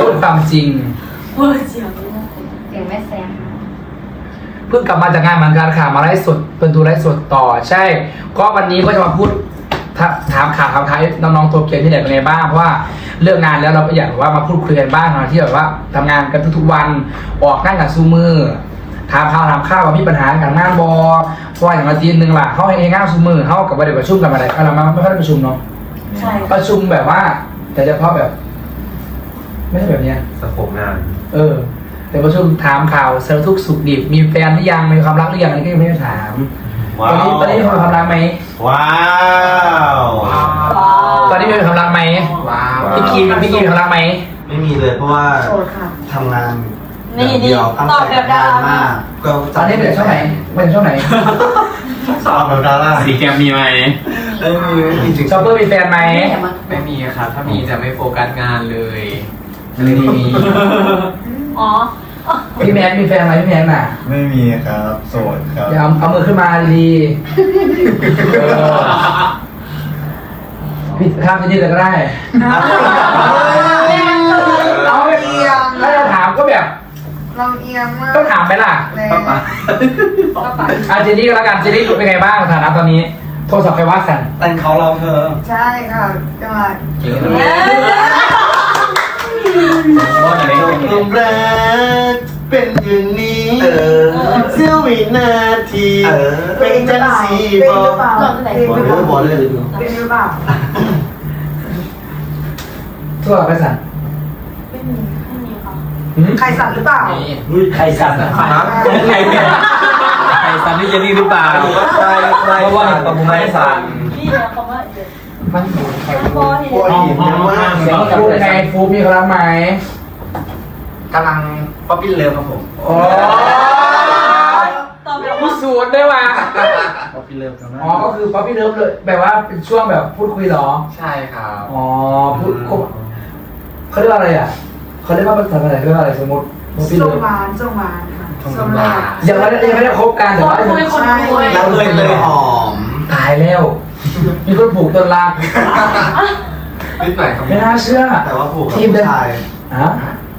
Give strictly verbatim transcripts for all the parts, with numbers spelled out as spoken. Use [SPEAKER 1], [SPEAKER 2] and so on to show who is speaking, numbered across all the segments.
[SPEAKER 1] พูดความจริง
[SPEAKER 2] เวอร์เสียง
[SPEAKER 3] เสียงแม่แซม
[SPEAKER 1] เพิ่งกลับมาจากงานเหมือนกันค่ะมาไลฟ์สดเป็นดูไลฟ์สดต่อใช่ก็วันนี้ก็จะมาพูดถามข่าวถามท้ายน้องๆตัวเกียร์ที่ไหนเป็นไงบ้างเพราะว่าเลิกงานแล้วเราก็อยากว่ามาพูดคุยกันบ้างนะที่แบบว่าทำงานกันทุกๆวันออกนั่งกันซูมือถามข่าวถามข้าวว่ามีปัญหากับงานบอเพราะอย่างอาทิตย์หนึ่งล่ะเขาให้งานซูมือเขากับประเดี๋ยวประชุมกันอะไรเรามาไม่ค่อยได้ประชุมเนาะ
[SPEAKER 2] ใช่
[SPEAKER 1] ประชุมแบบว่า แต่เฉพาะแบบ ไม่ใช่แบบเนี้ย
[SPEAKER 4] สโคปงาน
[SPEAKER 1] เออแต่ประชุมถามข่าวสารทุกข์สุขดิบมีแฟนหรือยังมีความรักหรือยังอันนี้ก็ยังไม่ได้ถามตอนนี้ตอนนี้มีความรักไหม
[SPEAKER 4] ว้าว
[SPEAKER 1] ตอนนี้มีความรักไหม
[SPEAKER 4] ว้าว
[SPEAKER 1] พี่กีมพี่กีมีความรักไหม
[SPEAKER 4] ไม่มีเลยเพราะว่า
[SPEAKER 2] โสดค่ะ
[SPEAKER 4] ทำงาน
[SPEAKER 2] นี่
[SPEAKER 4] เดียวตั้ง
[SPEAKER 2] ตอบ
[SPEAKER 4] ใจ
[SPEAKER 2] แบบ
[SPEAKER 4] ทำงาน
[SPEAKER 2] ดารา
[SPEAKER 4] มากก็
[SPEAKER 1] ตอนนี้เป็นช่วงไหนเป็นช่วงไหน
[SPEAKER 4] สอบแบบดารา
[SPEAKER 5] สีแกมมีไหม
[SPEAKER 4] เอ้ยมีไม่มีจริง
[SPEAKER 1] ชอปเปอร์มีแฟนไหม
[SPEAKER 5] ไม่มีครับ ถ้ามีจะไม่โฟกัสงานเลย
[SPEAKER 1] ไม่มี
[SPEAKER 2] อ๋อ
[SPEAKER 1] พี่แม็กมีแฟนไหมพี่แม็กน่ะ
[SPEAKER 4] ไม่มีครับโสดครับ
[SPEAKER 1] อย่าเอาเอามือขึ้นมาดีๆเออพี่ข้ามจะยืดเลยก็ได้เอาไปเอียงถ้าจะถามก็แบบ
[SPEAKER 6] เราเอียงมาก
[SPEAKER 1] ต้องถามไหมล่ะ
[SPEAKER 6] เลย
[SPEAKER 1] อาเจนี่ก็แล้วกันเจนี่เป็นไงบ้างฐานะตอนนี้ โทรศัพท์ไปว่าสั่น
[SPEAKER 4] แต่งเขาเราเธอ
[SPEAKER 6] ใช่ค่ะจังหวัด
[SPEAKER 5] ว่าจะได้
[SPEAKER 4] ตรงแรกเป็นอย่างนี้เออเสี้ยววินาทีเป็นจังสี
[SPEAKER 6] เป็น
[SPEAKER 4] บอ
[SPEAKER 6] หรือเปล่า
[SPEAKER 2] หลอนที่ไหน
[SPEAKER 6] เป็นหรือเปล่า
[SPEAKER 4] บอลเลย
[SPEAKER 6] เป็นหรือเปล่า
[SPEAKER 1] โทรศัพท์ไปสั่น
[SPEAKER 2] ไม่มีไม่มีค่ะ
[SPEAKER 1] หืม
[SPEAKER 6] ใครสั่นหรือเปล่า
[SPEAKER 1] ใครสั่นอะ
[SPEAKER 5] ใครใครซันนี่เจนี่หรือเปล่า
[SPEAKER 4] ใช่ใช่
[SPEAKER 5] เพราะว่าปมุไม่สัน
[SPEAKER 2] นี่นะคำว่าเดี๋ยว
[SPEAKER 1] มัน
[SPEAKER 2] พอที
[SPEAKER 4] ปวด
[SPEAKER 2] เดียว
[SPEAKER 4] หินเยอะมาก
[SPEAKER 1] เสียงฟูไงฟูมีเขารับไหม
[SPEAKER 5] กำลังป๊อปปี้เลิฟครับผม
[SPEAKER 1] โอ้
[SPEAKER 2] ตอบแบบ
[SPEAKER 1] ผู้
[SPEAKER 2] ว่า
[SPEAKER 1] สูตรด้วยว่ะ
[SPEAKER 5] ป๊อปปี้เลิฟครับ
[SPEAKER 1] อ๋อก็คือป๊อปปี้เลิฟเลยแบบว่าเป็นช่วงแบบพูดคุยเหรอ
[SPEAKER 5] ใช่ครับ
[SPEAKER 1] อ๋อพูดเขาเรียกว่าอะไรอ่ะเขาเรียกว่าภาษาอะไรเรียกว่าอะไรสมมติป๊อปปี้
[SPEAKER 6] ส่
[SPEAKER 1] เลิ
[SPEAKER 6] ง
[SPEAKER 1] ฟ
[SPEAKER 6] หวานส่งหวานค่ะส่งหวาน
[SPEAKER 1] ยังไม่ได้ยังไม่ได้คบกันแต่
[SPEAKER 2] คน
[SPEAKER 1] ว่า
[SPEAKER 2] คุยคนคุย
[SPEAKER 4] แล้วเลยเลยหอม
[SPEAKER 1] ตายแล้ว มีคนผูกต้นรัก
[SPEAKER 5] นิดหน่อยครับ
[SPEAKER 1] ไม่น่าเชื่อ
[SPEAKER 4] แต่ว่าผูกกับ
[SPEAKER 1] ทีมเดิ
[SPEAKER 4] ผู้
[SPEAKER 1] น
[SPEAKER 4] ชาย
[SPEAKER 1] ฮะ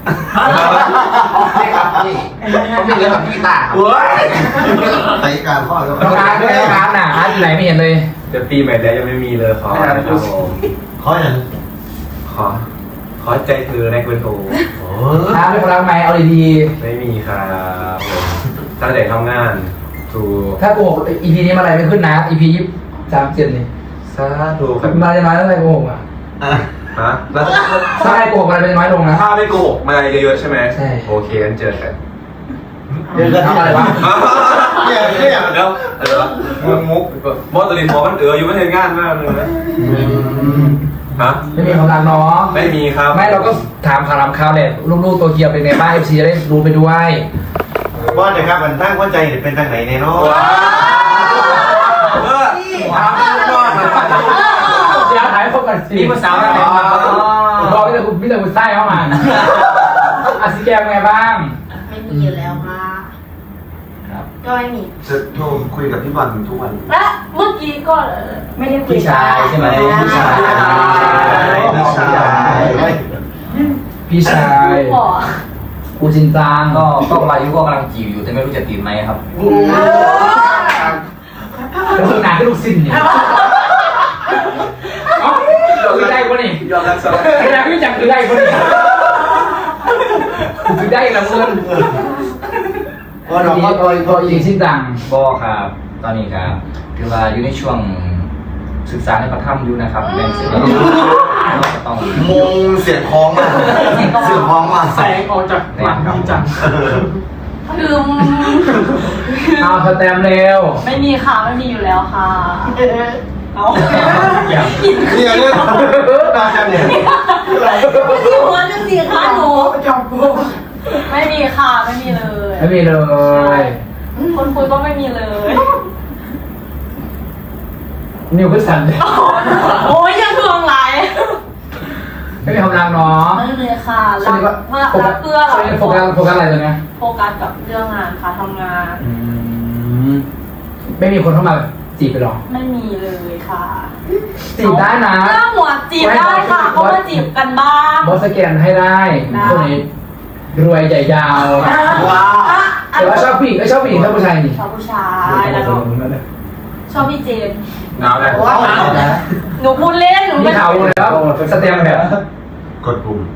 [SPEAKER 5] นี่ครับนี่ป๊อปปี้เลิฟกับพี่ตาครับ
[SPEAKER 4] เว้ยใส่การข้อแล้ว
[SPEAKER 1] น้องอาร์ตไม่ได้อาร์ตน่ะอาร์ตอยู่ไหนไม่เห็นเลย
[SPEAKER 4] จะปีใหม่แล้วยังไม่มีเลยขอนะครับผมขออย่าง
[SPEAKER 5] ขอ ขอใจเธอในเบอร์โทร
[SPEAKER 4] โอ้
[SPEAKER 1] อาร์ตเป็นคนรักไหมเอาดี
[SPEAKER 5] ไม่มีครับผมตั้งแต่ทำงานถูก
[SPEAKER 1] ๆถ้าโกหกอีพีนี้มาอะไรไม่ขึ้นนะอีพียี่สามเจ็ดนี่
[SPEAKER 5] สาธุครับ
[SPEAKER 1] มาจะน้อยเท่าไหร่โกหกอ่ะ
[SPEAKER 5] ฮะแล้ว
[SPEAKER 1] ถ้าใครโกหกอะไรเป็นน้อยลงนะ
[SPEAKER 5] ถ้าไม่โกหกมาอะไรเยอะๆใช่ไหม
[SPEAKER 1] ใช่
[SPEAKER 5] โอเคงั้นเจอกัน
[SPEAKER 4] เดี๋ยวจะ
[SPEAKER 1] ทำอะไรวะ
[SPEAKER 4] เนี่ยเนี่ย
[SPEAKER 5] แล้วอะไรวะมุกมุกบอสตัวนี้บอสมันเอออยู่ไม่เห็นงานมากเลยนะฮะ
[SPEAKER 1] ไม่มีความรักเนาะ
[SPEAKER 5] ไม่มีครับ
[SPEAKER 1] ไม่เราก็ถามข่าวถามข่าวเนี่ยลูกๆตัวเกียวเป็นไงบ้างเอฟซีจะได้รู้ไปด้วย
[SPEAKER 4] บอสนะครับมันตั้งหัวใจเป็นทางไหนเนี่ยเนาะ
[SPEAKER 5] ว้าวเออว้าวบอส
[SPEAKER 1] เดี๋ยวถ่ายพบกันสิ
[SPEAKER 5] นี่มันสาวอะไร
[SPEAKER 1] บอกพี่แต่คุณพี่แต่คุณไส้เข้ามาอาซิแกมเป็นไงบ้าง
[SPEAKER 2] ไม่มีอยู่แล้วค่ะ
[SPEAKER 1] ครับ
[SPEAKER 2] ก็ไม่มี
[SPEAKER 4] จะโทรคุยกับพี่บอลทุกวัน
[SPEAKER 2] และเมื่อกี้ก็ไม่ได้คุย
[SPEAKER 1] พี่ชายใช่ไหมพี่ชาย
[SPEAKER 4] พี่ชาย
[SPEAKER 1] พี่ชาย
[SPEAKER 2] หล่อ
[SPEAKER 1] กูจริงจัง
[SPEAKER 7] ก็ก็มายุก็กำลังจีบอยู่แต่ไม่รู้จะติดไหมครับ
[SPEAKER 1] แล้วงานก็ลูกสิ้นเนี่ยเอ้าคือได้ปะนี่
[SPEAKER 5] ยอมรับสาร
[SPEAKER 1] ไอ้นายพี่จังคือได้ปะนี่คือได้ละเงิน
[SPEAKER 4] พอเราก็
[SPEAKER 1] พอพอจริงสิ้นจัง
[SPEAKER 7] ก็ครับ ตอนนี้ครับคือว่าอยู่ในช่วงศึกษาในพระธรรมอยู่นะครับแบ่งเสร็จแล้วก็ต้อง
[SPEAKER 4] มงเสียงคล้องมาเสียงคล้องมา
[SPEAKER 1] แสงออกจากหลังพี่จัง
[SPEAKER 2] คือ
[SPEAKER 1] เอาสแตมเร็ว
[SPEAKER 2] ไม่มีค่ะไม่มีอยู่แล้วค่ะเอา
[SPEAKER 1] อย่า
[SPEAKER 4] เนี่ยเนี่ยตาจันเนี่ย
[SPEAKER 2] ไม่มีหัวจะสีค่ะหนู
[SPEAKER 6] จอมกู
[SPEAKER 2] ไม่มีค่ะไม่มีเลย
[SPEAKER 1] ไม่มีเลย
[SPEAKER 2] คนคุยก็ไม่มีเลย
[SPEAKER 1] นิวขึ้นสันเลย
[SPEAKER 2] โอ้ยยังทวงไร
[SPEAKER 1] ไม่มีความรักเนาะ
[SPEAKER 2] ไม่เลยค่ะ
[SPEAKER 1] ช่วง
[SPEAKER 2] รั
[SPEAKER 1] นี้
[SPEAKER 2] ก
[SPEAKER 1] ก็
[SPEAKER 2] รักเพื่อเรา
[SPEAKER 1] ช่วงนี้โฟกัสโฟกัสอะไรตัวเนี้ย
[SPEAKER 2] โฟกัสกับเรื่องงานค่ะทำงาน
[SPEAKER 1] ไม่มีคนเข้ามาจีบไปหรอ
[SPEAKER 2] ไม่มีเลยค่ะ
[SPEAKER 1] จีบได้นะ
[SPEAKER 2] เรื่องหัวจีบได้ค่ะเขามาจีบกันบ้าง
[SPEAKER 1] บอสสแกนให้ได้คนนี้รวยใหญ่ยาว
[SPEAKER 4] ว้าว
[SPEAKER 1] แต่ว่าชอบผู้หญิงไม่ชอบผู้หญิงชอบผู้ชายนี่
[SPEAKER 2] ชอบผู้ชายแล้วก็ชอบพี่เจมส์
[SPEAKER 5] หนาวนะ
[SPEAKER 2] หนูพูดเล่นหนู
[SPEAKER 1] มี
[SPEAKER 2] ไม่
[SPEAKER 1] ข่าวแล้วสเต็มแบบ
[SPEAKER 4] กดปุ่ม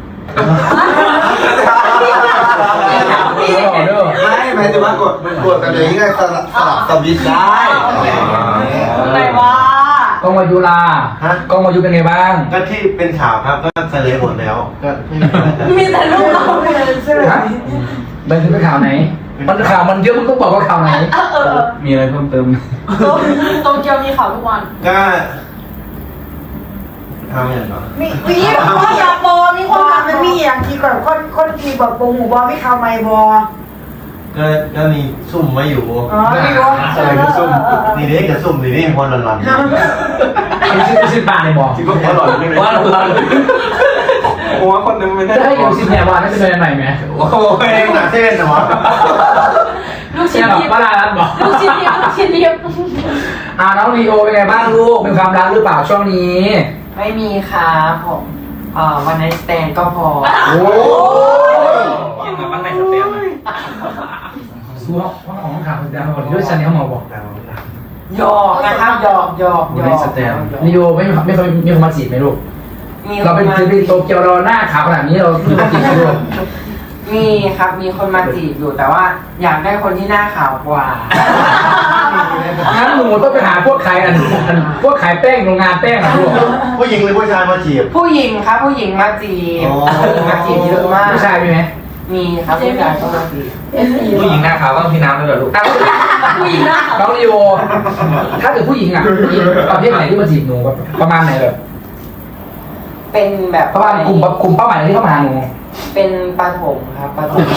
[SPEAKER 4] ไม่หมายถึงว่ากดกดกันอย่างนี้ไงสลับสลับสวิตช์ได้
[SPEAKER 2] อะไรวะ
[SPEAKER 1] กองวายุลา
[SPEAKER 4] ฮะ
[SPEAKER 1] กองวายุเป็นไงบ้าง
[SPEAKER 4] ก็ที่เป็นข่าวครับก็เสลยหมดแล้วก็ไม่มีอะไร
[SPEAKER 2] มีแต่ลูกเรา
[SPEAKER 1] ฮะมันคือเป็นข่าวไหน มันข่าวมันเยอะมันต้องบอกว่าข่าวไหน
[SPEAKER 2] เออเออ
[SPEAKER 7] มีอะไรเพิ่มเติม
[SPEAKER 2] โตเกียวมีข่าวทุกวัน
[SPEAKER 4] ก็ทำอย่างไร
[SPEAKER 6] มีมีคนอยากบอมีคนทำมันมีอย่างที่ก่อนคนคนที่แบบโปงหูบอไม่เข้าไม่บอ
[SPEAKER 4] ก็ก็มีซุ่มมาอยู่
[SPEAKER 6] อ๋อมีบอ
[SPEAKER 4] อะไรก็ซุ่มนี่เด็กกับซุ่มนี่นี่คนละลัน
[SPEAKER 1] มีชื่อชื่อปลาในบอก
[SPEAKER 5] คิดว่าเขาหล่อนไม่ไหม
[SPEAKER 7] ว่าเรา
[SPEAKER 5] หัวคนนึงไม่ได้
[SPEAKER 1] จะให้อยู่สิบแหนวานนั่นจะเป็นอะไรไหม
[SPEAKER 5] โอ้โห
[SPEAKER 4] เองหนักเส้นนะวะ
[SPEAKER 2] ลูก
[SPEAKER 1] เชี
[SPEAKER 2] ชิ้
[SPEAKER 1] ย
[SPEAKER 2] น
[SPEAKER 1] ร์แบบ
[SPEAKER 2] ทิพย์
[SPEAKER 1] ว่าลาลันบอก
[SPEAKER 2] ลูกชิ้นทิพย์ลูกชิ้นทิพย์
[SPEAKER 1] อ่าน้องลีโอเป็นไงบ้างลูกมีความรักหรือเปล่าช่วงนี้
[SPEAKER 3] ไม่มีครับผมเอ่อวันไนสแตนก็พอ
[SPEAKER 1] โอ้
[SPEAKER 7] ยังไงมันไม่สเต็ม
[SPEAKER 1] สู้ห้องของข่าวคนดังคนด้วยชันนี่เขามาบอก
[SPEAKER 3] หยอกนะครับหยอกหยอกหยอก
[SPEAKER 1] ลีโอไม่ไม่เคยมีคนมาจีบไหมลูก
[SPEAKER 3] มีค
[SPEAKER 1] เรา
[SPEAKER 3] น
[SPEAKER 1] เป็น
[SPEAKER 3] มา
[SPEAKER 1] ศิลปินโตเกียวเราหน้าขาวขนาดนี้เราไม่มาจีบไหมลูก
[SPEAKER 3] มีครับมีคนมาจีบอยู่แต่ว่าอยากได้คนที่หน้าขาวกว่า
[SPEAKER 1] งั้นหนูต้องไปหาพวกขายอันอันพวกขายแป้งโรงงานแป้งอะลูก
[SPEAKER 4] ผู้หญิงหรือผู้ชายมาจีบ
[SPEAKER 3] ผู้หญิงครับผู้หญิงมาจีบ
[SPEAKER 4] อ๋อ
[SPEAKER 3] ผู้หญิงมาจีบเยอะมาก
[SPEAKER 1] ผู้ชายมีไหม
[SPEAKER 3] มีครับผู้ชายก็มาจีบ
[SPEAKER 7] ผู้หญิงหน้าขาวต้องพี่น้ำด้วยเหรอลูก
[SPEAKER 1] อ่ะ
[SPEAKER 2] ผู้หญิงหน้าขาว
[SPEAKER 1] น้องลีโอถ้าเกิดผู้หญิงอ่ะผู้หญิงประเภทไหนที่มาจีบหนูประมาณไหนแบบ
[SPEAKER 3] เป็นแบบ
[SPEAKER 1] ประมาณกลุ่มกลุ่มเป้าหมายที่เข้ามาหาหนู
[SPEAKER 3] เป็นปฐมครับปฐม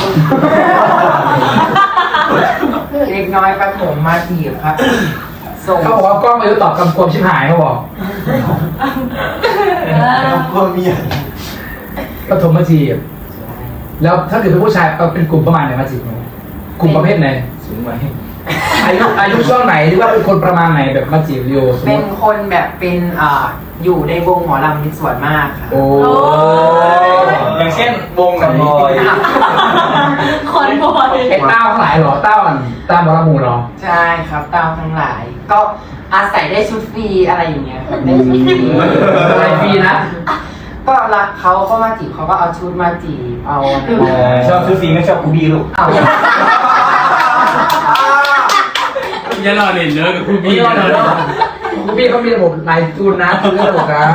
[SPEAKER 3] เด็กน้อยปฐมมาจีบครับส่ง
[SPEAKER 1] เขาบอกว่ากล้องมายุตอบคำควมชิบหายเขาบอก
[SPEAKER 4] ก็มีอย่าง
[SPEAKER 1] ปฐมมาจีบแล้วถ้าเกิดเป็นผู้ชายเอาเป็นกลุ่มประมาณไหนมาจีบหนูกลุ่มประเภทไหน
[SPEAKER 7] สูงไหม
[SPEAKER 1] อายุอายุช่วงไหนหรือว่าเป็นคนประมาณไหนแบบมาจีบลีโอสม
[SPEAKER 3] เป็
[SPEAKER 1] ม
[SPEAKER 3] น
[SPEAKER 1] ติ
[SPEAKER 3] คนแบบเป็นอ่าอยู่ในวงหมอลำมีส่วนมากครับ
[SPEAKER 1] โอ้
[SPEAKER 7] อย่างเช่นวงกับบอย
[SPEAKER 2] คนบอย
[SPEAKER 1] ไอ้เต้าทั้งหลายเหรอเต้าอันเต้าบอลมูเหรอ
[SPEAKER 3] ใช่ครับตามทั้งหลาย ก็อาศัยได้ชุดฟรีอะไรอย่างเงี้ยครับได้ชุดฟรี
[SPEAKER 1] อะไรฟรีนะ
[SPEAKER 3] ก็รักเขาก็มาจีบเขาก็เอาชุดมาจีบเอาอะไร
[SPEAKER 7] ชอบซื้อฟรีไม่ชอบกูบี้ลูก
[SPEAKER 3] เอา
[SPEAKER 7] อย่ารอเล่นเนื้อกับกู
[SPEAKER 1] พี่
[SPEAKER 7] บี้
[SPEAKER 1] ก็เนอะพี่เขามีระบบนายจูนนะจูนระบบนะ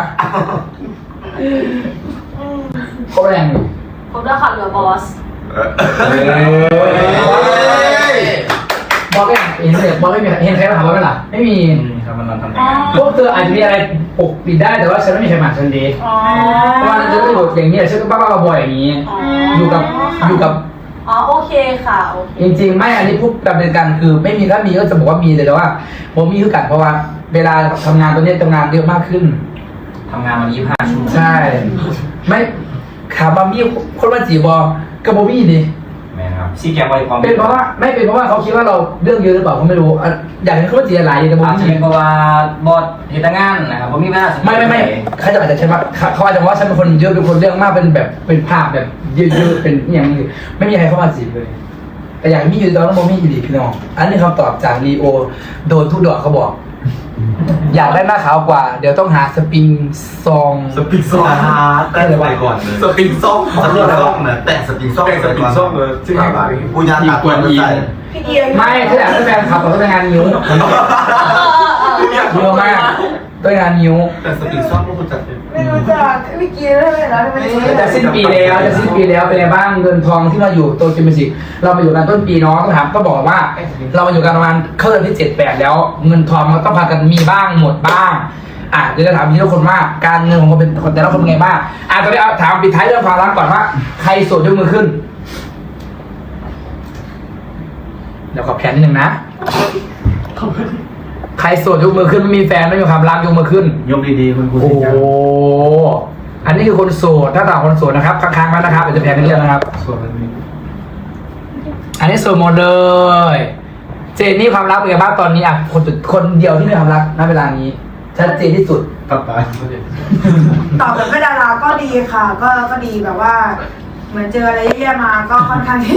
[SPEAKER 1] เขาแรงอยู่
[SPEAKER 2] ผมจะขับเรือบอส
[SPEAKER 1] บอกไม่เห็นเลยบอกไม่มีเห็นใครมาถามว่าไม่ล่ะไม่มี
[SPEAKER 7] ครับมันนอนทำงาน
[SPEAKER 1] พวกเธออาจจะมีอะไรปกปิดได้แต่ว่าฉันไม่มีใครมาฉันดี
[SPEAKER 2] อ๋อ
[SPEAKER 1] เพราะว่าฉันก็อยู่อย่างนี้ฉันก็บ้าๆบอยๆอย่างนี้ อยู่กับอยู่กับ
[SPEAKER 2] อ๋อโอเคค่ะโอเค
[SPEAKER 1] จริงๆ ไม่อันนี้พูดกันเป็นกันคือไม่มีถ้ามีก็จะบอกว่ามีแต่ว่าผมมีคือกันเพราะว่า เวลาทำงานตัวนี้ทำงานเยอะมากขึ้น
[SPEAKER 7] ทำงานมายี่สิบห้าชั่วโมง
[SPEAKER 1] ใช่ ไม่ถามว่ามีคนมาจีบบอกระโบมี่ดิ
[SPEAKER 7] แม่ครับซีแกมไว้ความ
[SPEAKER 1] เป็นเพราะว่าไม่เป็นเพราะว่าเขาคิดว่าเราเรื่องเยอะหรือเปล่าเขาไม่รู้อ่ะอยากให้เขามาจีบอะไรแต่โบ
[SPEAKER 7] อาจจะ
[SPEAKER 1] มี่
[SPEAKER 7] เป็นเพราะว่าบอสเหตุงานนะครับผมมีเวลา
[SPEAKER 1] ไม่ไม่ไม่เขาจะอาจจะใช่ว่าเขาอาจจะว่าฉันเป็นคนเยอะเป็นคนเรื่องมากเป็นแบบเป็นภาพแบบเยอะๆเป็นอย่างนี้ไม่มีใครเข้ามาจีบเลย แต่อย่างที่อยู่ตอนนั้นโมมี่อยู่ดีพี่น้องอันนี้คำตอบจากลีโอโดนทุกดอกเขาบอก อยากได้หน้าขาวกว่า เดี๋ยวต้องหาสปริงซอง
[SPEAKER 4] สปริงซ่อมได้เลยไปก่อนเลย
[SPEAKER 5] สปริงส้ม
[SPEAKER 4] สปริงซ่อมนะแต่สปริงซ่อม
[SPEAKER 5] แต่สปริงส้มเลยที่ไหนบ้าง
[SPEAKER 4] กูยาตัดก่อนใส่
[SPEAKER 6] พี่เอียง
[SPEAKER 1] ไม่ถ้าอยากได้แฟนขับต้องเป็นงานนิ้วเยอะมากต้องงานนิ้ว
[SPEAKER 4] แต่สปริงซ่อมก็คุณจัด
[SPEAKER 6] ไม่รู้จักพี่เกียร์เลยนะมัน
[SPEAKER 1] จะสิ้นปีแล้วจะสิ้นปีแล้วเป็นไงบ้างเงินทองที่มาอยู่โตเกียวมิวสิกเรามาอยู่กันต้นปีเนาะต้องถามก็บอกว่า เรามาอยู่กันประมาณเข้าเดือนที่เจ็ดแปดแล้ว เงินทองมันต้องพากันมีบ้างหมดบ้างอ่ะเดี๋ยวจะถามทีละคนว่าการเงินของคนเป็นคนแต่ละคนเป็นไงบ้างอ่ะตอนนี้เอาถามปิดท้ายเรื่องความรักก่อนว่าใครโสดยกมือขึ้นเดี๋ยวขอแผนนิดนึงนะใครโสดยกมือขึ้นไม่มีแฟนไม่มีความรักยกมือขึ้น
[SPEAKER 7] ยกดีๆคุณครู
[SPEAKER 1] โอ้
[SPEAKER 7] สิ
[SPEAKER 1] โห
[SPEAKER 7] ครับ
[SPEAKER 1] อันนี้คือคนโสด ถ้าต่างคนโสดนะครับค้างๆไว้นะครับเดี๋ยวจะแพงกันเรื่องนะครับ
[SPEAKER 7] ส่วนมันมี
[SPEAKER 1] อันนี้โสดหมดเลย เจนนี่ความรักเป็นไงบ้างตอนนี้อ่ะคนสุดคนเดียวที่มีความรักณเวลานี้ ชัดเจนที่สุด
[SPEAKER 4] กลับบ้าน
[SPEAKER 6] ตอบแบบไม่ดาราก็ดีค่ะ ก็ก็ดีแบบว่า เหมือนเจออะไรแย่ๆมาก็ค่อนข้างที่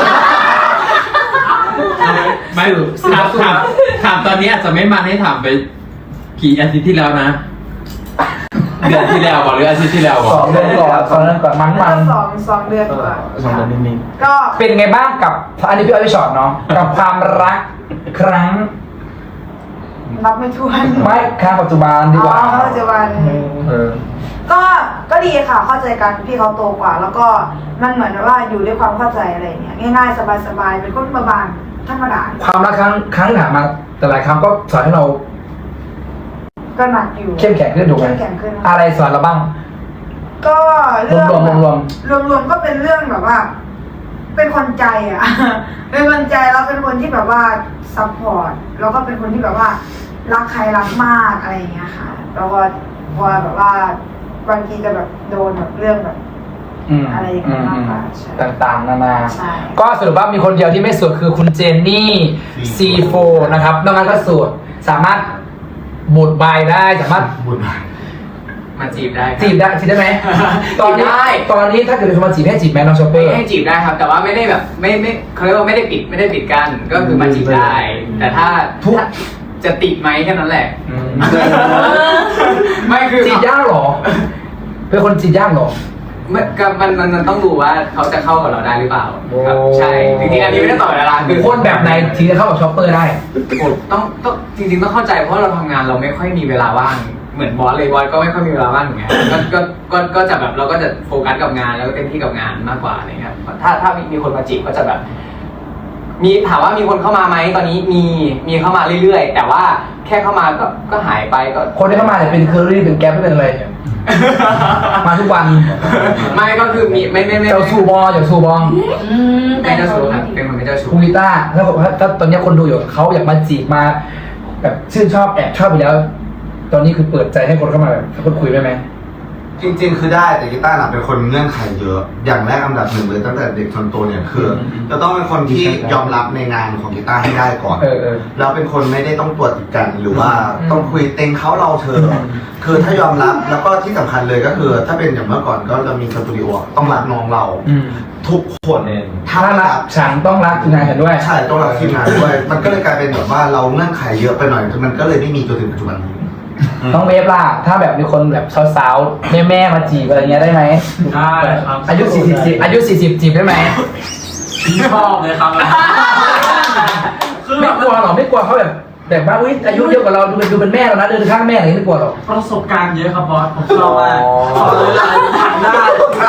[SPEAKER 8] ไม่ถามถามถามตอนนี้อาจจะไม่มาให้ถามไปกี่อาทิตย์ที่แล้วนะ เดือนที่แล้วบอกหรืออาทิตย์ที่แล้วบอ
[SPEAKER 1] ส
[SPEAKER 8] ก
[SPEAKER 1] องเดือนก่อนสองเดือนก่อนมั้งมัน
[SPEAKER 6] สองสองเดือนกว่า
[SPEAKER 4] สองเดือนนิด
[SPEAKER 6] ก็
[SPEAKER 1] เป็นไงบ้างกับอันนี้พี่อ้อยพี่ชอตเนาะกับความรักครั้ง
[SPEAKER 6] รับไม่ถ้วน
[SPEAKER 1] ไม่ครั้งปัจจุบันดีกว่า
[SPEAKER 6] อ๋อปัจจุบัน
[SPEAKER 1] เออ
[SPEAKER 6] ก็ก็ดีค่ะเข้าใจกันพี่เขาโตกว่า แล้วก็มันเหมือนว่าอยู่ด้วยความเข้าใจอะไรอย่างเงี้ยง่ายๆสบายๆเป็นคนบานๆธรรมดา
[SPEAKER 1] ความรักครั้งครั้งที่ผ่านมาแต่หลายครั้งก็สอนให้เรา
[SPEAKER 6] ก็หนักอยู่
[SPEAKER 1] เข้มแข็งขึ้นถูกไหม
[SPEAKER 6] เข้มแข็งขึ้น
[SPEAKER 1] อะไรสอนเราบ้าง
[SPEAKER 6] ก็เรื่อง
[SPEAKER 1] รวมๆรวม
[SPEAKER 6] รวมรวมๆก็เป็นเรื่องแบบว่า เป็นคนใจอ่ะ เป็นคนใจแล้วเป็นคนที่แบบว่าซัพพอร์ตแล้วก็เป็นคนที่แบบว่า รักใครรักมากอะไรอย่างเงี้ยค่ะแล้วก็พอแบบว่าบางทีจะแบบโดนแบบเรื่องแบบ
[SPEAKER 1] อืม
[SPEAKER 6] อะไรอย่าง
[SPEAKER 1] อื
[SPEAKER 6] เงี้ย
[SPEAKER 1] ม
[SPEAKER 6] มาก
[SPEAKER 1] อืม
[SPEAKER 6] กว่าใช่
[SPEAKER 1] ต่างๆ นานา
[SPEAKER 6] ใช่
[SPEAKER 1] ก็สรุปว่ามีคนเดียวที่ไม่สวดคือคุณเจนนี่ ซี โฟ นะครับนอกนั้นก็สวดสามารถบูดใบได้สามารถ
[SPEAKER 4] บุญ
[SPEAKER 3] มาจีบได้ครับ
[SPEAKER 1] จีบได้จีบได้ไหมตอนนี้
[SPEAKER 3] จีบได้
[SPEAKER 1] ตอนนี้ถ้าเกิดมีคนมาจีบให้จีบไหมน้องชอปเป้
[SPEAKER 3] ให้จีบได้ครับ แต่ว่าไม่ได้แบบไม่ไม่เขาเรียกว่าไม่ได้ปิดไม่ได้ปิดกั้นก็คือมาจีบได้ แต่ถ้า
[SPEAKER 1] ทุก
[SPEAKER 3] ถ้าจะติดไหมแค่นั้นแหละ
[SPEAKER 1] อืม
[SPEAKER 3] ไม่คือ
[SPEAKER 1] จีบยากเหรอ เป็นคนจีบยากเหรอ
[SPEAKER 3] ไม่ก็มันมันมันต้องดูว่าเขาจะเข้ากับเราได้หรือเปล่าครับ
[SPEAKER 1] โอ้
[SPEAKER 3] ใช่จริงๆอันนี้ไม่ได้ตอบเวลาคือ
[SPEAKER 1] คนแบบไหนถึงจะเข้ากับชอปเปอร์ได้
[SPEAKER 3] โอ้ต้องต้องจริงๆต้องเข้าใจเพราะเราทำงานเราไม่ค่อยมีเวลาว่างเหมือนบอสเลยบอสก็ไม่ค่อยมีเวลาว่างเหมือนกันก็ก็ก็ก็จะแบบเราก็จะโฟกัสกับงานแล้วก็เต็มที่กับงานมากกว่าอะไรเงี้ยครับถ้าถ้ามีมีคนมาจีบก็จะแบบ มีถามว่ามีคนเข้ามาไหมตอนนี้มีมีเข้ามาเรื่อยๆ แต่ว่าแค่เข้ามาก็ก็หายไปก็
[SPEAKER 1] คนที่เข้ามาเนี่ยเป็นเคอรี่เป็นแก๊ปเป็นอะไร มาทุกวัน
[SPEAKER 3] ไม่ก็คือมีไม่ไม่ไม่
[SPEAKER 1] เจ้าสูบอเจ้าสูบอ
[SPEAKER 2] อืม
[SPEAKER 3] ไม่เจ้าชู้ครับเป็นคนไม่เจ้าชู้
[SPEAKER 1] คุณกีตาร์ถ้าบอกว่าถ้าตอนนี้คนดูอยู่เขาอยากมาจีบมา แบบชื่นชอบแอบชอบไปแล้ว ตอนนี้คือเปิดใจให้คนเข้ามาแบบคนคุยได้ไหม
[SPEAKER 4] จริงๆ คือได้แต่กีตาร์น่ะเป็นคนเงื่อนไขเยอะ อย่างแรกอันดับหนึ่งเลยตั้งแต่เด็กจนโตเนี่ยคือจะต้องเป็นคนที่ยอมรับในงานของกีตาร์ให้ได้ก่อน
[SPEAKER 1] เออเออ
[SPEAKER 4] แล้วเป็นคนไม่ได้ต้องตรวจติดกันหรือว่าต้องคุยเต็งเขาเราเธอ คือถ้ายอมรับแล้วก็ที่สำคัญเลยก็คือ ถ้าเป็นอย่างเมื่อก่อนก็จะมีสตูดิโอต้องรักน้องเรา
[SPEAKER 1] อืม
[SPEAKER 4] ทุกคนถ้า
[SPEAKER 1] ถ้า
[SPEAKER 4] ไม่
[SPEAKER 1] รั
[SPEAKER 4] รั
[SPEAKER 1] ก
[SPEAKER 4] ก
[SPEAKER 1] ฉันต้องรักทีมงานฉันด้วย
[SPEAKER 4] ใช่ต้องรักทีมงานด้วย มันก็เลยกลายเป็นแบบว่าเราเงื่อนไขเยอะไปหน่อยจนมันก็เลยไม่มีจนถึงปัจจุบันนี้
[SPEAKER 1] น้องเวฟล่ะ ถ้าแบบมีคนแบบสาวๆ แม่ๆ มาจีบอะไรเงี้ยได้ไหม
[SPEAKER 8] ได้ครับ
[SPEAKER 1] อายุสี่สิบจีบอายุสี่สิบจีบได้ไหม
[SPEAKER 8] ชอบเลยครับ คือ
[SPEAKER 1] ไม่กลัวหรอ ไม่กลัวเขาแบบแบบว่าอุ้ยอายุเยอะกว่าเราดูเป็นดูเป็นแม่เรานะเดินข้างแม่อะไรอย่างงี้ไม่กลัวหรอก
[SPEAKER 8] ประสบการณ์เยอะครับบอส ผมชอบมาก
[SPEAKER 1] อ๋อ
[SPEAKER 8] ชอบเลยทางได้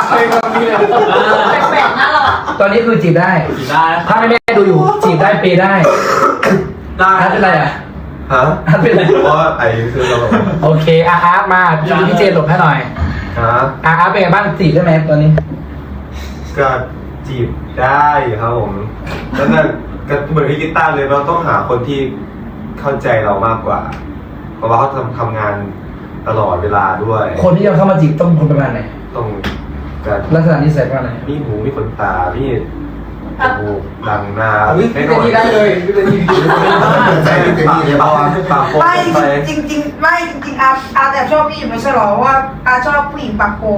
[SPEAKER 2] แปลกๆนะเราอะ
[SPEAKER 1] ตอนนี้คือจีบได้
[SPEAKER 8] ได้ค
[SPEAKER 1] ถ้า
[SPEAKER 8] รับ
[SPEAKER 1] แม่ๆดูอยู่จีบได้เปย์ได้
[SPEAKER 8] ได้
[SPEAKER 1] อาร์ตเป็นไรอ่ะ
[SPEAKER 5] ฮะ
[SPEAKER 1] อาร์ตเป็นไร
[SPEAKER 5] เพราะว่าไอ้คือเราแบบ
[SPEAKER 1] โอเคอาร์ตมาพี่พี่เจนหลบให้หน่อย
[SPEAKER 5] ฮะ
[SPEAKER 1] อาร์ตเป็นไงบ้างจีบได้ไหมตอนนี้
[SPEAKER 5] ก็จีบได้ครับผมแล้วนั่นก็เหมือนพี่กีตาร์เลยเราต้องหาคนที่เข้าใจเรามากกว่า เพราะว่าเขาทำทำงานตลอดเวลาด้วย
[SPEAKER 1] คนที่จะเข้ามาจีบต้องเป็นคนประมาณไหน
[SPEAKER 5] ต้องการ
[SPEAKER 1] ลักษณะนิสัยประมาณไหน
[SPEAKER 5] มีหูมีขนตามีจมูกดังหน้า
[SPEAKER 3] อุ๊ยพี่เป็นที่ได้เลยพี่เป็นที่
[SPEAKER 4] ใจพี่เป็นที่เลยเพราะว่า
[SPEAKER 5] ปากโป่ง
[SPEAKER 6] ไม่
[SPEAKER 5] ไป
[SPEAKER 6] จริงจริงๆไม่จริงๆอาอาแต่ชอบพี่อยู่ไม่ใช่หรอเพราะว่าอาชอบผู้หญิงปากโก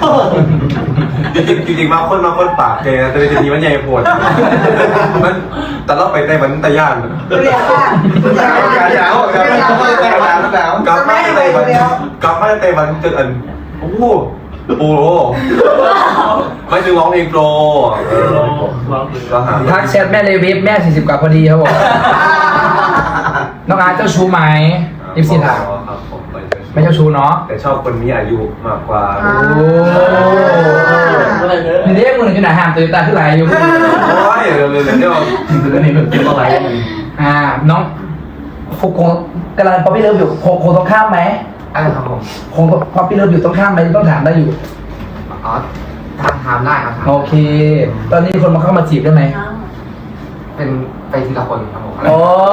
[SPEAKER 5] จริงจริงๆมาคนมาคนปากเกยนะแต่ในทีนี้มันใหญ่โผล่มันแต่เราไปในมันตะย่าน
[SPEAKER 6] เรียกว่าเรียกว่า
[SPEAKER 4] อย่าอย่าอย่าอย่าอย่าอย่าอย่า
[SPEAKER 5] กลับมาในมันกลับมาในมันจนอันโอ้โหโอ้โหไม่ถึงร้องเพลงโปรเออก็หา
[SPEAKER 1] ทักแชทแม่เลยเวฟแม่สี่สิบกว่าพอดีครับผมน้องอาร์ตเจ้าชู้ไหมยิปซีถาม
[SPEAKER 5] ครับผมไป
[SPEAKER 1] ไม่เจ้าชู้เนาะ
[SPEAKER 5] แต่ชอบคนมีอายุมากกว่า
[SPEAKER 1] โอ้นี่เรียกมึงอยู่ไหนห่างตัวตาขึ้นไหลอยู่
[SPEAKER 5] โอ้ยเร็วๆเดี๋ยว
[SPEAKER 1] นี่มันเป็นอะไรอ่าน้องฟุกคงกำลังป๊อปปี้เลิฟอยู่คงคงต้องข้ามไหม
[SPEAKER 3] อะไรครับผม
[SPEAKER 1] คงป๊อปปี้เลิฟอยู่ต้องข้ามไหมต้องถามได้อยู่
[SPEAKER 3] อ๋อทำทำได้ครับ
[SPEAKER 1] โอเค ตอนนี้คนมาเข้ามาจีบได้ไหม
[SPEAKER 3] เป็นไปทีละคนครับผม
[SPEAKER 1] โอ้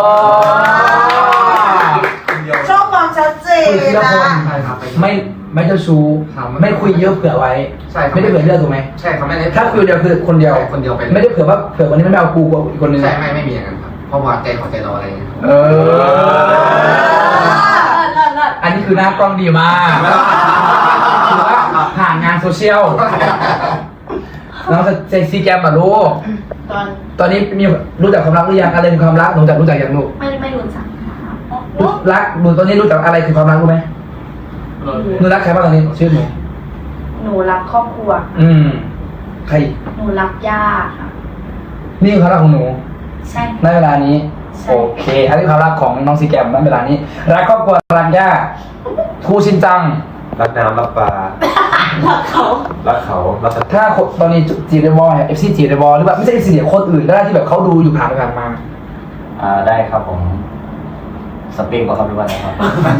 [SPEAKER 6] ชอบความชัดเจน
[SPEAKER 1] คุยทีละ
[SPEAKER 6] นะ
[SPEAKER 1] คน
[SPEAKER 3] ใช่ครับ
[SPEAKER 1] ไม่ไม่เจ้าชู้
[SPEAKER 3] ครับ
[SPEAKER 1] ไม่คุยเยอะเผื่อไว้
[SPEAKER 3] ใช่ครับ
[SPEAKER 1] ไม่ได้เผื่อเยอะถูกไหม
[SPEAKER 3] ใช่เขาไม่ได้
[SPEAKER 1] ถ้าคุยเดียวคือคนเดียว
[SPEAKER 3] ใช่คนเดียวไปเลย
[SPEAKER 1] ไม่ได้เผื่อว่าเผื่อคนนี้ไม่เอากูกว่าอีกคนนึง
[SPEAKER 3] ใช่ไม่ไม่มีอย่างนั้นครับเพราะว่าใจเขาใจเราอะไรอย่างเงี้ย
[SPEAKER 1] เออ
[SPEAKER 2] เลิศเลิศ
[SPEAKER 1] อันนี้คือหน้ากล้องดีมากถือว่าผ่านงานโซเชียลน้องจะเซ็กซี่แกมอ่ะลูก
[SPEAKER 2] ตอน
[SPEAKER 1] ตอนนี้มีรู้จักความรักหรือยังอะไรคือความรักหนูจักรู้จักยังลูก
[SPEAKER 2] ไม่ไม่รู้จักค่ะ
[SPEAKER 1] รักหนูตอนนี้รู้จักอะไรคือความรักรู้ไหมหนูรักใครบ้างตอนนี้ชื่อหนู
[SPEAKER 6] หนูรักครอบครัว
[SPEAKER 1] อืมใคร
[SPEAKER 6] หนูรักย่าค่ะ
[SPEAKER 1] นี่คือความรักของหนู
[SPEAKER 6] ใช่
[SPEAKER 1] ในเวลานี้
[SPEAKER 6] ใช่
[SPEAKER 1] โอเคอันนี้ความรักของน้องซีแกมในเวลานี้รักครอบครัวรักย่าครูชินจัง
[SPEAKER 5] รักน้ำรักปลา
[SPEAKER 2] รักเขา
[SPEAKER 5] รักเขารักสัตว์
[SPEAKER 1] ถ้าคนตอนนี้จีเดวอลเอฟซีจีเดวอลหรือแบบไม่ใช่เอฟซีเดียคนอื่นก็ได้ที่แบบเขาดูอยู่ผ่านไปผ่านมา
[SPEAKER 7] อ่าได้ครับผมสเปนก็ครับหรือว่าอะไรครับ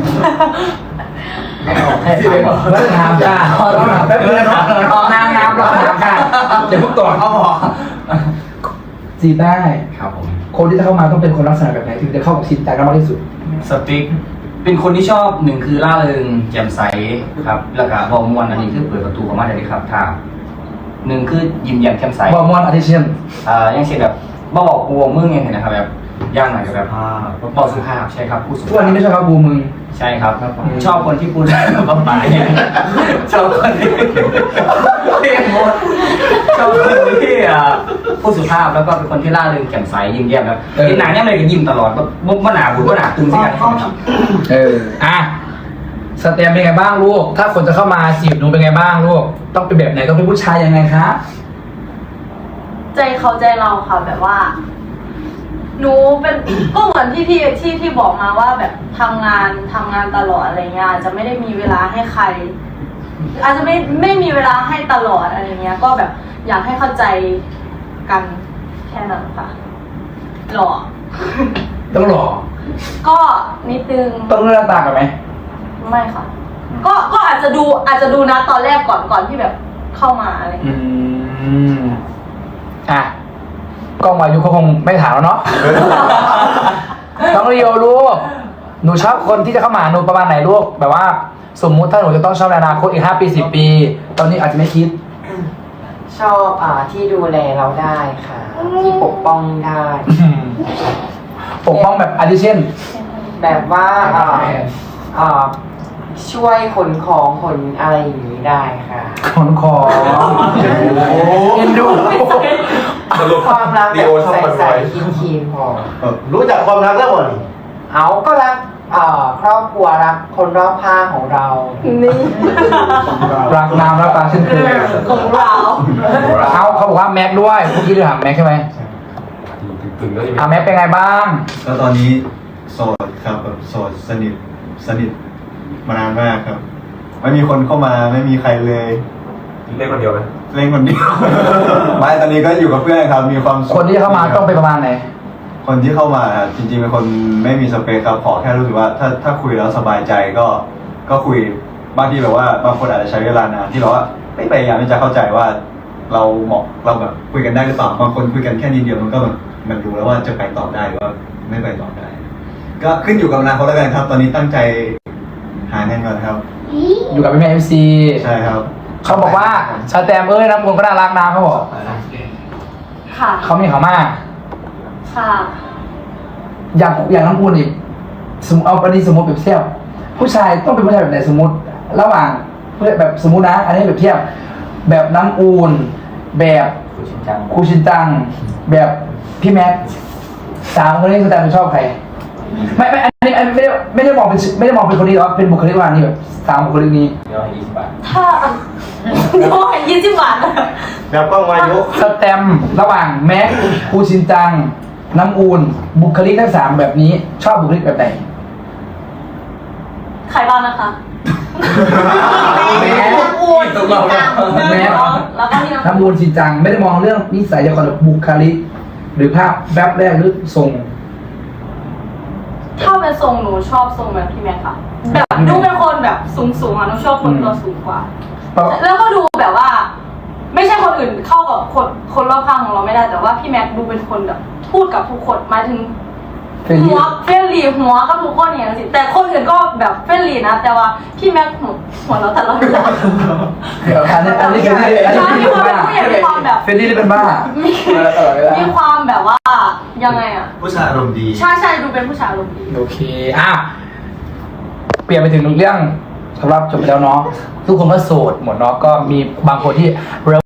[SPEAKER 7] ให้ถามก่อน
[SPEAKER 1] แล้วถามจ้าต้องถามแป๊บนึงนะน้ำน้ำเราถามค่ะเดี๋ยวพวกต่อเขาบอกจีบได้
[SPEAKER 7] ครับผม
[SPEAKER 1] คนที่จะเข้ามาต้องเป็นคนลักษณะแบบไหนถึงจะเข้ากับชินจังได้มากที่สุด
[SPEAKER 7] สปิกเป็นคนที่ชอบหนึ่งคือร่าเริงแจ่มใสครับแล้วก็บอกมวลอันนี้คือเปิดประตูเข้ามาได้เลยครับถ้าหนึ่งคือยิ้มแย้มแจ่มใส
[SPEAKER 1] บอมอนอาทิเชียน
[SPEAKER 7] อ่าอย่างเช่นแบบบ่บอกกลัวมึงอย่างเงี้ยนะครับแบบย่างหน่อยกับแบบบอกสุภาพใช่ครับพูดสุ
[SPEAKER 1] ทุกวัน
[SPEAKER 7] ภา
[SPEAKER 1] นี้
[SPEAKER 7] พ
[SPEAKER 1] ไม่ใช่ครับบูมึง
[SPEAKER 7] ใช่ครับ
[SPEAKER 1] ครับผม
[SPEAKER 7] ชอบคนที่พูดได้แบบว่าปายเนี่ยชอบคนที่เรียกหมดชอบคนที่อ่าพูดสุภาพแล้วก็เป็นคนที่ร่าเริงแจ่มใสยิ้มแย้มแบบเห็นหน้าเนี่ยเลยก็ยิ้มตลอดก็บ่หนาบุญบ่หนาตึงสิกันครับ
[SPEAKER 1] เอออ่ะสเตมเป็นไงบ้างลูก ถ้าคนจะเข้ามาจีบหนูเป็นไงบ้างลูก ต้องเป็นแบบไหนต้องเป็นผู้ชายยังไงคะ
[SPEAKER 2] ใจเขาใจเราค่ะแบบว่า หนูเป็น ก็เหมือนที่พี่ที่ที่บอกมาว่าแบบทำงานทำงานตลอดอะไรเงี้ยอาจจะไม่ได้มีเวลาให้ใคร อาจจะไม่ไม่มีเวลาให้ตลอดอะไรเงี้ย ก็แบบอยากให้เข้าใจกันแค่นั้นค่ะหล่อ
[SPEAKER 1] ต้องหล่อ
[SPEAKER 2] ก็นิดนึง
[SPEAKER 1] ต้องเลือกหน้าตากันไหม
[SPEAKER 2] ไม่ค่ะ ก็ก็อาจจะดูอาจจะดูนะตอนแรกก่อนก่อนที่แบบเข้ามาอะไร
[SPEAKER 1] อื
[SPEAKER 2] เงี้ย
[SPEAKER 1] มอ่ะกล้องวายุเขาคงไม่ถามแล้วเนาะ น้องเรียวลูก หนูชอบคนที่จะเข้ามาหาหนูประมาณไหนลูก แบบว่า สมมุติถ้าหนูจะต้องชอบในอนาคตอีกห้าปีสิบปี ตอนนี้อาจจะไม่คิด
[SPEAKER 9] ชอบอ่าที่ดูแลเราได้ค่ะ ที่ปกป้องได้
[SPEAKER 1] ปกป้องแบบอาทิเช่น
[SPEAKER 9] แบบว่าอ่าอ่าช่วยขนของขนอะไรอย่างนี้ได้ค่ะ
[SPEAKER 1] ขนของเอ็นดู
[SPEAKER 5] สรุป
[SPEAKER 9] ความรัก
[SPEAKER 5] ดี
[SPEAKER 9] แบบ
[SPEAKER 5] โอชอบ
[SPEAKER 9] ใส่
[SPEAKER 5] คนร
[SPEAKER 9] ใส่
[SPEAKER 5] วย
[SPEAKER 9] คีนคีนพอ
[SPEAKER 4] รู้จักความรักแล้วบ่นี่
[SPEAKER 9] เอาก็รักอ่าครอบครัวรักคนรอบข้างของเรา
[SPEAKER 2] นี่
[SPEAKER 1] รักน้ำรักปลาเช่นเคย
[SPEAKER 2] ของเรา
[SPEAKER 1] เอาเขาบอกว่าแม็กด้วยเมื่อกี้เราถามแม็กใช่ไหม
[SPEAKER 5] ตึงๆแล้วยัง
[SPEAKER 1] อ่ะแม็กเป็นไงบ้าง
[SPEAKER 10] ก็ตอนนี้โสดครับแบบโสดสนิทสนิทมานานมากครับ ไม่มีคนเข้ามาไม่มีใครเลย
[SPEAKER 5] เล่นคนเดียวไหม
[SPEAKER 10] เล่นคนเดียว ไม่ตอนนี้ก็อยู่กับเพื่อนครับ มีความสุข
[SPEAKER 1] คนที่เข้ามาต้องเป็นประมาณไหน
[SPEAKER 10] คนที่เข้ามาครับจริงๆเป็นคนไม่มีสเปคครับขอแค่รู้สึกว่าถ้าถ้าคุยแล้วสบายใจก็ก็คุยบางทีแบบว่าบางคนอาจจะใช้เวลานานที่เราว่าไม่พยายามที่จะเข้าใจว่า เราเหมาะเราแบบคุยกันได้หรือเปล่าบางคนคุยกันแค่นิดเดียวมันก็แบบมันรู้แล้วว่าจะไปต่อได้หรือว่าไม่ไปต่อได้ ก็ขึ้นอยู่กับอนาคตแล้วกันครับ ตอนนี้ตั้งใจหาเงินก่อนครับ
[SPEAKER 1] อยู่กับพี่แม่เอฟซี
[SPEAKER 10] ใช่ครับ
[SPEAKER 1] เขาบอกว่าชาแตมเอ้ยน้ำมูลก็น่ารักนะเขาบอก
[SPEAKER 2] ค่ะ
[SPEAKER 1] เขามีเขามาก
[SPEAKER 2] ค่ะ
[SPEAKER 1] อย่างอย่างน้ำมูลนี่สมมติเอาอันนี้สมมติแบบเทียบผู้ชายต้องเป็นผู้ชายแบบไหนสมมติ ระหว่างเพื่อแบบสมมตินะ อันนี้แบบเทียบ แบบน้ำอูนแบบ
[SPEAKER 7] คุณชินจัง
[SPEAKER 1] ครูชินจัง แบบพี่แม็กสามคนนี้ชาแตมชอบใครไม่ไม่อันนี้อันนี้ไม่ได้ไม่ได้มองเป็นไม่ได้มองเป็นคนนี้หรอกเป็นบุคลิกว่านี่แบบสามบุคลิกนี้
[SPEAKER 7] เดี๋ยวให้ยี่สิบบาท
[SPEAKER 2] ถ้าเดี๋ยวให้ยี่สิบบาท
[SPEAKER 4] แบบกล้องวายุ
[SPEAKER 1] สแตมป์ระหว่างแม็กครูชินจัง น้ำอูนบุคลิกทั้งสามแบบนี้ ชอบบุคลิกแบบไหน
[SPEAKER 2] ใครบ้างนะคะ
[SPEAKER 1] แม่
[SPEAKER 2] น้ำอูนจริงจัง
[SPEAKER 1] แม่
[SPEAKER 2] แล้วก็พี่น้ำ
[SPEAKER 1] น้ำอูนชินจัง ไม่ได้มองเรื่องนิสัยอย่างก่อนแบบบุคลิก หรือภาพแวบแรกหรือทรง
[SPEAKER 2] ถ้าเป็นทรงหนูชอบทรงแบบพี่แม็กค่ะ แบบดูเป็นคนแบบสูงสูงๆอ่ะหนูชอบคนตัวสูงกว่า แล้วก็ดูแบบว่า ไม่ใช่คนอื่นเข้ากับคนคนรอบข้างของเราไม่ได้แต่ว่าพี่แม็กดูเป็นคนแบบพูดกับทุกคนหมายถึง
[SPEAKER 1] เฟรนลี่
[SPEAKER 2] หัวเฟรนลี่หัวกับทุกคนอย่างนี้แต่คนอื่นก็แบบเฟรนลี่นะ แต่ว่าพี่แม็กหัวหัวเราแต่เราไม่ได้
[SPEAKER 1] เดี๋ยวอันนี้อันนี้เฟรนลี่อันนี้
[SPEAKER 2] มีความเป็นผู้ใหญ่มีความแบบ
[SPEAKER 1] เฟรนลี่เป็นบ้า
[SPEAKER 2] มี
[SPEAKER 1] ตลอดเวลา
[SPEAKER 2] มีความแบบว่ายังไงอ่ะ
[SPEAKER 4] ผู้ชายอารมณ์ดี
[SPEAKER 2] ใช่ใช่ดูเป็นผู้ชายอารมณ์ดี
[SPEAKER 1] โอเค อ่ะเปลี่ยนไปถึงเรื่องสำหรับจบไปแล้วเนาะทุกคนก็โสดหมดเนาะก็มีบางคนที่เริ่ม